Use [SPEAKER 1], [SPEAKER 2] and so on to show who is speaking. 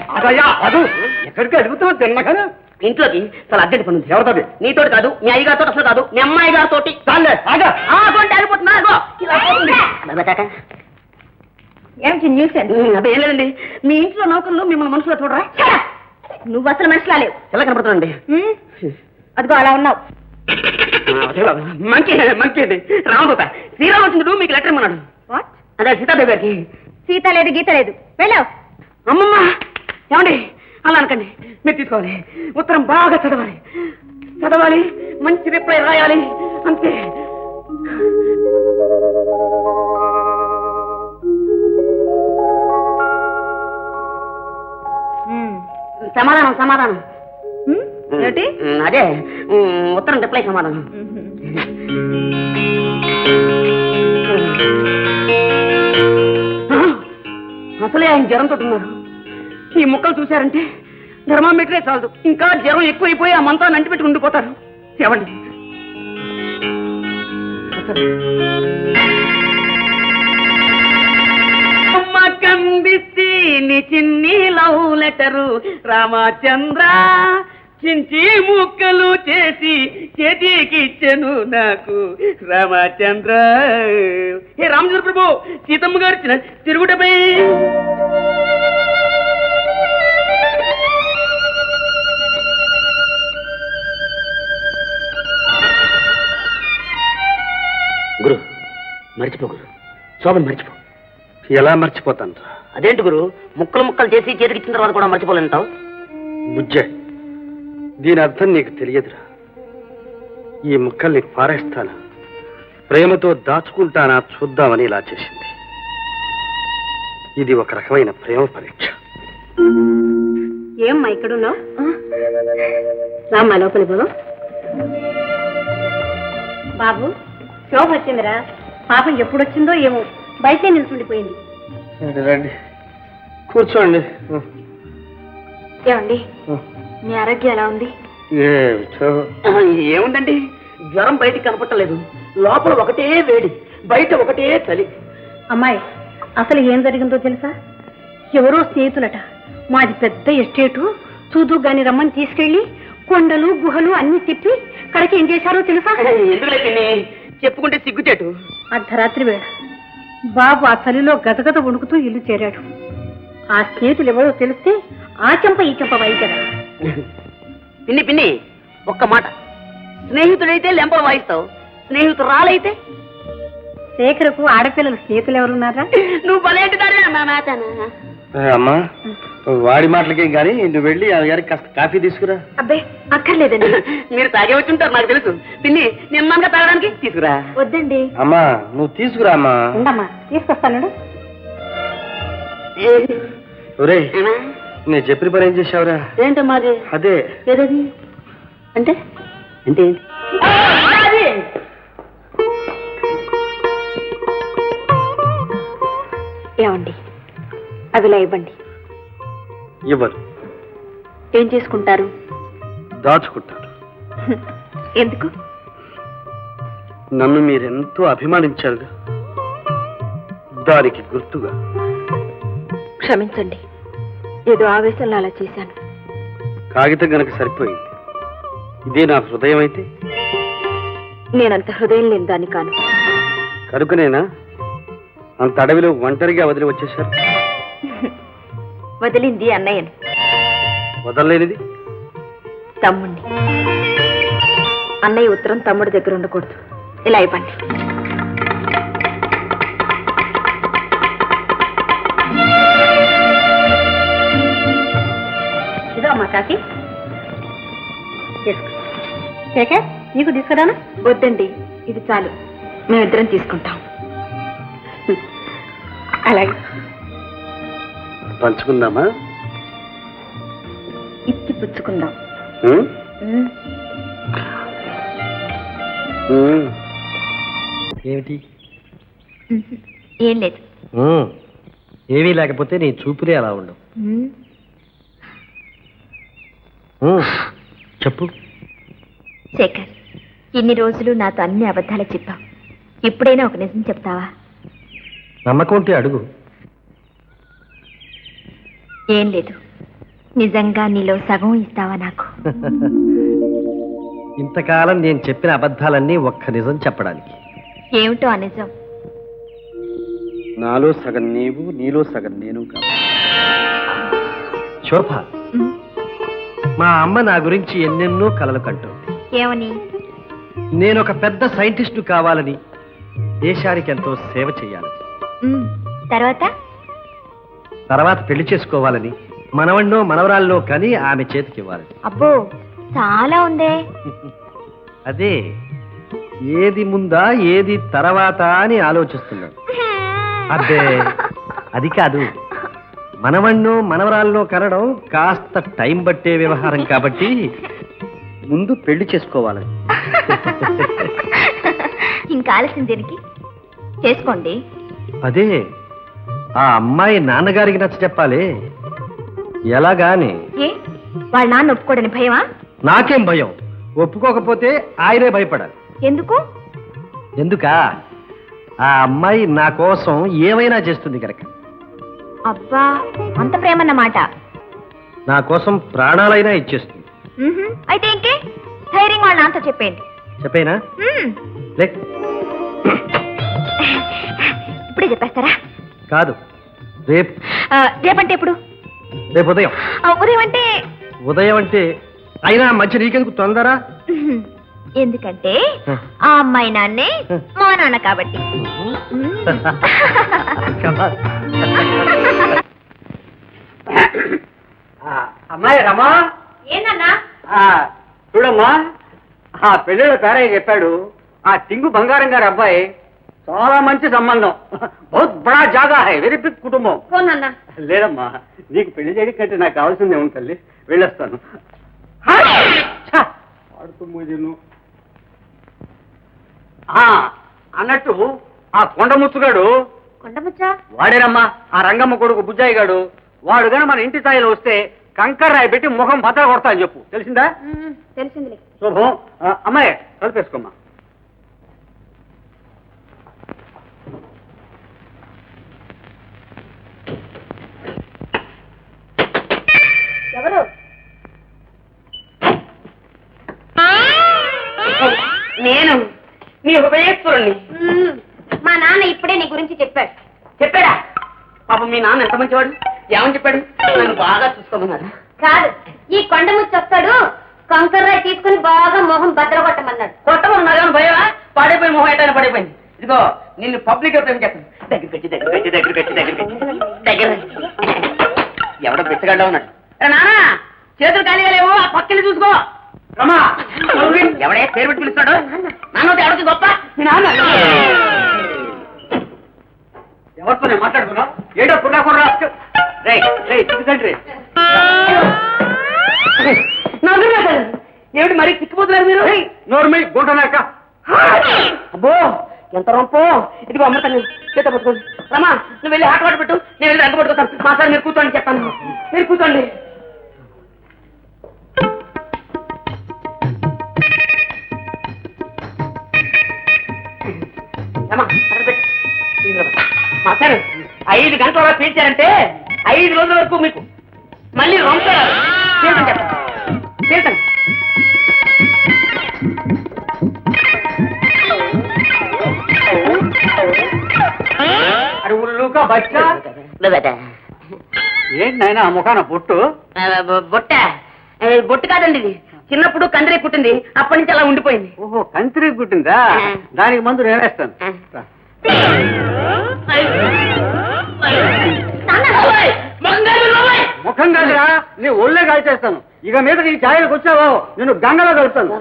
[SPEAKER 1] అదయ్యా అదు ఎక్కడికి అడుగుతావు తిన్నగా
[SPEAKER 2] ఇంట్లోకి చాలా అర్జెంట్ పని ఉంది. ఎవరితో? నీతోటి కాదు, మీ అయ్యగారితో అసలు కాదు, మీ అమ్మాయి గారితో.
[SPEAKER 3] ఏమిటి న్యూస్?
[SPEAKER 2] అదే ఏం లేదండి, మీ ఇంట్లో నౌకర్లు మిమ్మల్ని మనుషులో చూడరా?
[SPEAKER 3] నువ్వు అసలు మనిషిలా లేవు.
[SPEAKER 2] ఎలా కనపడుతుందండి?
[SPEAKER 3] అదిగో అలా ఉన్నావు.
[SPEAKER 2] మంచి మంచి అండి. రామదూత శ్రీరామచంద్రుడు మీకు లెటర్ ఇమ్మన్నాడు. అదే సీతాదేవి గారికి.
[SPEAKER 3] సీత లేదు గీత లేదు, వెళ్ళావు.
[SPEAKER 2] అమ్మమ్మ ఏమండి అలా అనకండి, మీరు తీసుకోవాలి. ఉత్తరం బాగా చదవాలి, చదవాలి, మంచి రిప్లై రాయాలి, అంతే. సమాధానం సమాధానం
[SPEAKER 3] ఏంటి?
[SPEAKER 2] అదే ఉత్తరం రిప్లై సమాధానం. అసలే ఆయన జ్వరంతో ఉన్నారు. ఈ ముక్కలు చూశారంటే థర్మామీటరే చాలదు, ఇంకా జ్వరం ఎక్కువైపోయి ఆ మంతాన్ని అంటిపెట్టి ఉండిపోతారు. ఏమండి కందిస్తే నీ చిన్ని లవ్ లెటరు రామచంద్ర చించి ముక్కలు చేసి చేతికిచ్చెను నాకు రామచంద్ర. హే రామచంద్ర ప్రభు, సీతమ్మ గారు ఇచ్చిన తిరుగుటపై గురు మర్చిపో, గురు శోభను మర్చిపో.
[SPEAKER 1] ఎలా మర్చిపోతాను?
[SPEAKER 2] అదేంటి గురు, ముక్కలు ముక్కలు చేసి చేతికిచ్చిన తర్వాత కూడా మర్చిపోలేంటావు?
[SPEAKER 1] బుజ్జే, దీని అర్థం నీకు తెలియదురా. ఈ ముక్కల్ని పారేస్తానా, ప్రేమతో దాచుకుంటానా చూద్దామని ఇలా చేసింది. ఇది ఒక రకమైన ప్రేమ పరీక్ష.
[SPEAKER 3] ఏమ్మా ఇక్కడున్నావు? రామ్మా లోపలి బాబు. బాబు శోభ వచ్చిందిరా. పాపం ఎప్పుడొచ్చిందో ఏమో, బయటే నిల్చుండిపోయింది.
[SPEAKER 1] రండి కూర్చోండి.
[SPEAKER 3] ఏమండి మీ ఆరోగ్యం ఎలా ఉంది?
[SPEAKER 2] ఏముందండి, జ్వరం బయటికి కనపట్టలేదు, లోపల ఒకటే వేడి, బయట ఒకటే చలి.
[SPEAKER 3] అమ్మాయి అసలు ఏం జరిగిందో తెలుసా? ఎవరో స్నేహితులట, మాది పెద్ద ఎస్టేటు, చూదు గాని రమ్మని తీసుకెళ్లి కొండలు గుహలు అన్ని తిప్పి కడకి ఏం చేశారో తెలుసా?
[SPEAKER 2] ఎందుకు చెప్పుకుంటే సిగ్గుచేటు.
[SPEAKER 3] అర్ధరాత్రి వేళ బాబు ఆ చలిలో గదగద వణుకుతూ ఇల్లు చేరాడు. ఆ స్నేహితులు ఎవరో తెలిస్తే ఆ చెంప ఈ చెంప వైద్యరా.
[SPEAKER 2] పిన్ని పిన్ని ఒక్క మాట, స్నేహితుడైతే లెంపలు వాయిస్తావు, స్నేహితురాలైతే?
[SPEAKER 3] శేఖరకు ఆడపిల్లలు స్నేహితులు ఎవరున్నారా?
[SPEAKER 2] నువ్వు బలేంటిదానే నా మాటనా?
[SPEAKER 1] అమ్మా వాడి మాటలకే గాని నువ్వు వెళ్ళి ఆ గారికి కాస్త కాఫీ తీసుకురా.
[SPEAKER 3] అబ్బే అక్కర్లేదండి,
[SPEAKER 2] మీరు తాగే వచ్చి ఉంటారు నాకు తెలుసు. పిన్ని నిమ్మగా తాగడానికి తీసుకురా.
[SPEAKER 3] వద్దండి.
[SPEAKER 1] అమ్మా నువ్వు తీసుకురా. అమ్మా
[SPEAKER 3] ఉండమ్మా తీసుకొస్తాను.
[SPEAKER 1] ఒరేయ్ నేను చెప్పిన పని ఏం చేసావురా?
[SPEAKER 2] ఏంటమ్మా అది?
[SPEAKER 1] అదే
[SPEAKER 2] ఏదది అంటే అంటే
[SPEAKER 3] ఏమండి అవిలా ఇవ్వండి.
[SPEAKER 1] ఇవ్వరు.
[SPEAKER 3] ఏం చేసుకుంటారు?
[SPEAKER 1] దాచుకుంటారు.
[SPEAKER 3] ఎందుకు?
[SPEAKER 1] నన్ను మీరెంతో అభిమానించారుగా, దానికి గుర్తుగా.
[SPEAKER 3] క్షమించండి, ఏదో ఆవేశంలో అలా చేశాను.
[SPEAKER 1] కాగితం గనక సరిపోయింది. ఇదే నా హృదయం అయితే?
[SPEAKER 3] నేనంత హృదయం లేని దాన్ని కాను.
[SPEAKER 1] కనుకనేనా అంత అడవిలో ఒంటరిగా వదిలి వచ్చేశారు?
[SPEAKER 3] వదిలింది అన్నయ్యను.
[SPEAKER 1] వదలలేనిది
[SPEAKER 3] తమ్ముణ్ణి. అన్నయ్య ఉత్తరం తమ్ముడి దగ్గర ఉండకూడదు. ఇలా ఇవ్వండి. ఇదో అమ్మా కాకి. శేఖర్ నీకు తీసుకురానా? వద్దండి, ఇది చాలు, మేమిద్దరం తీసుకుంటాం. అలాగే
[SPEAKER 1] పంచుకుందామా?
[SPEAKER 3] ఇచ్చి పుచ్చుకుందాం.
[SPEAKER 1] ఏమిటి?
[SPEAKER 3] ఏం లేదు.
[SPEAKER 1] ఏమీ లేకపోతే నీ చూపులే అలా ఉండవు. చెప్పు.
[SPEAKER 3] శేఖర్, ఇన్ని రోజులు నాతో అన్ని అబద్ధాలు చెప్పావు, ఇప్పుడైనా ఒక నిజం చెప్తావా?
[SPEAKER 1] నమ్మకం ఉంటే అడుగు.
[SPEAKER 3] ఏం లేదు,
[SPEAKER 4] నిజంగా నీలో సగం ఇస్తావా నాకు?
[SPEAKER 5] ఇంతకాలం నేను చెప్పిన అబద్ధాలన్నీ ఒక్క నిజం చెప్పడానికి.
[SPEAKER 4] ఏమిటో ఆ నిజం?
[SPEAKER 1] నాలో సగం నీవు, నీలో సగం నేను కాదు.
[SPEAKER 5] శోభ,
[SPEAKER 4] ఉమ్,
[SPEAKER 5] మా అమ్మ నా గురించి ఎన్నెన్నో కలలు కంటోంది.
[SPEAKER 4] ఏమని?
[SPEAKER 5] నేను ఒక పెద్ద సైంటిస్టు కావాలని, దేశానికి ఎంతో సేవ చేయాలని,
[SPEAKER 4] ఉమ్, తర్వాత?
[SPEAKER 5] తర్వాత పెళ్లి చేసుకోవాలని, మనవణ్ణో మనవరాల్లో కని ఆమె చేతికి ఇవ్వాలని.
[SPEAKER 4] అబ్బో, చాలా ఉందే.
[SPEAKER 5] అదే ఏది ముందా ఏది తర్వాత అని ఆలోచిస్తున్నాను. అబ్బే, అది కాదు. మనవణ్ణో మనవరాల్లో కనడం కాస్త టైం పట్టే వ్యవహారం కాబట్టి
[SPEAKER 1] ముందు పెళ్లి చేసుకోవాలని.
[SPEAKER 4] ఇంకా ఆలస్యం దీనికి చేసుకోండి.
[SPEAKER 5] అదే ఆ అమ్మాయి నాన్నగారికి నచ్చ చెప్పాలి. ఎలాగాని?
[SPEAKER 4] ఏ, వాళ్ళ నాన్న ఒప్పుకోడని భయమా?
[SPEAKER 5] నాకేం భయం, ఒప్పుకోకపోతే ఆయనే భయపడాలి.
[SPEAKER 4] ఎందుకు?
[SPEAKER 5] ఎందుకా? ఆ అమ్మాయి నా కోసం ఏమైనా చేస్తుంది కనుక.
[SPEAKER 4] అబ్బా, అంత ప్రేమన్నమాట.
[SPEAKER 5] నా కోసం ప్రాణాలైనా ఇచ్చేస్తుంది.
[SPEAKER 4] అయితే ఇంకే ధైర్యం వాళ్ళ నాన్నతో చెప్పేయండి.
[SPEAKER 5] చెప్పేనా?
[SPEAKER 4] ఉమ్,
[SPEAKER 5] లే,
[SPEAKER 4] ఇప్పుడే చెప్పేస్తారా?
[SPEAKER 5] కాదు, రేపు.
[SPEAKER 4] రేపంటే ఎప్పుడు?
[SPEAKER 5] రేపు ఉదయం.
[SPEAKER 4] ఉదయం అంటే?
[SPEAKER 5] ఉదయం అంటే అయినా మంచి నీకెందుకు తొందర?
[SPEAKER 4] ఎందుకంటే ఆ అమ్మాయి నాన్నే మా నాన్న కాబట్టి.
[SPEAKER 1] అమ్మాయి రమా,
[SPEAKER 4] ఏంటన్నా?
[SPEAKER 1] చూడమ్మా, ఆ పెళ్ళిళ్ళ పేరయ్య చెప్పాడు, ఆ టింగు బంగారం గారి అబ్బాయి చాలా మంచి సంబంధం, బహుత్ బడా జాగా హై, వెరీ బిగ్ కుటుంబం. లేదమ్మా, నీకు పెళ్లి చేయడం కంటే నాకు కావాల్సిందే ఉంది తల్లి, వెళ్ళొస్తాను. అన్నట్టు ఆ కొండముచ్చుగాడు,
[SPEAKER 4] కొండముచ్చా?
[SPEAKER 1] వాడేనమ్మా ఆ రంగమ్మ కొడుకు బుజ్జాయి గాడు, వాడు గాని మన ఇంటి స్థాయిలో వస్తే కంకర్ రాయి పెట్టి ముఖం బద్దలు కొడతా అని చెప్పు, తెలిసిందా?
[SPEAKER 4] తెలిసిందిలే.
[SPEAKER 1] శుభం. అమ్మాయి కలిపేసుకోమ్మా.
[SPEAKER 4] ఎవరు?
[SPEAKER 2] నేను నీ హృదయేశ్వరుణ్ణి.
[SPEAKER 4] మా నాన్న ఇప్పుడే నీ గురించి చెప్పాడు.
[SPEAKER 2] చెప్పాడా? పాపం మీ నాన్న ఎంత మంచివాడు. ఏమని చెప్పాడు? నన్ను బాగా చూసుకోమన్నాడు.
[SPEAKER 4] కాదు, ఈ కొండముచ్చి వస్తాడు, కంకర్రాయి తీసుకుని బాగా మొహం బద్దలు కొట్టమన్నాడు.
[SPEAKER 2] కొట్టమన్నాను భయమా? పడిపోయి మొహం ఎట్టైనా పడిపోయింది. ఇదిగో నిన్ను పబ్లిక్ గా చెప్పాను. దగ్గర ఎవడో బిచ్చగడ్డ ఉన్నాడు. నానా, చేతులు ఖాళీగా లేవు, ఆ పక్కని చూసుకో. రమా, ఎవడే పేరు పెట్టి పిలుస్తాడు? నాన్న ఎవరికి గొప్ప? మీ నాన్న. ఎవరితో నేను మాట్లాడుకున్నావు? ఏడో పున్నా కూడా తండ్రి. ఏమిటి మరి చిక్కుపోతున్నారు మీరు? నోర్మై గుంటనాక. అబ్బో, ఎంత రొంపో. ఇదిగో అమృతాన్ని చేత పట్టుకోండి. రమా, నువ్వు వెళ్ళి ఆట పెట్టు, నేను వెళ్ళి అంట పట్టుకొస్తాను. మా సార్ మీరు కూర్చోండి చెప్తాను. మీరు కూర్చోండి. మా సార్ 5 గంటల వరకు పీల్చారంటే 5 రోజుల వరకు మీకు మళ్ళీ రొంపారు. తీర్చండి. అడుగులుగా బచ్చా ఏంటి నాయన ఆ ముఖాన బొట్టు? బొట్టు కాదండి, ఇది చిన్నప్పుడు కందిరీ పుట్టింది, అప్పటి నుంచి అలా ఉండిపోయింది. ఓహో, కందిరీ పుట్టిందా? దానికి మందు నేనేస్తాను. ముఖం కాదురా, నీ ఒళ్ళే కాల్చేస్తాను. ఇక మీద నీ ఛాయలకు వచ్చావో నేను గంగలో కలుపుతాను.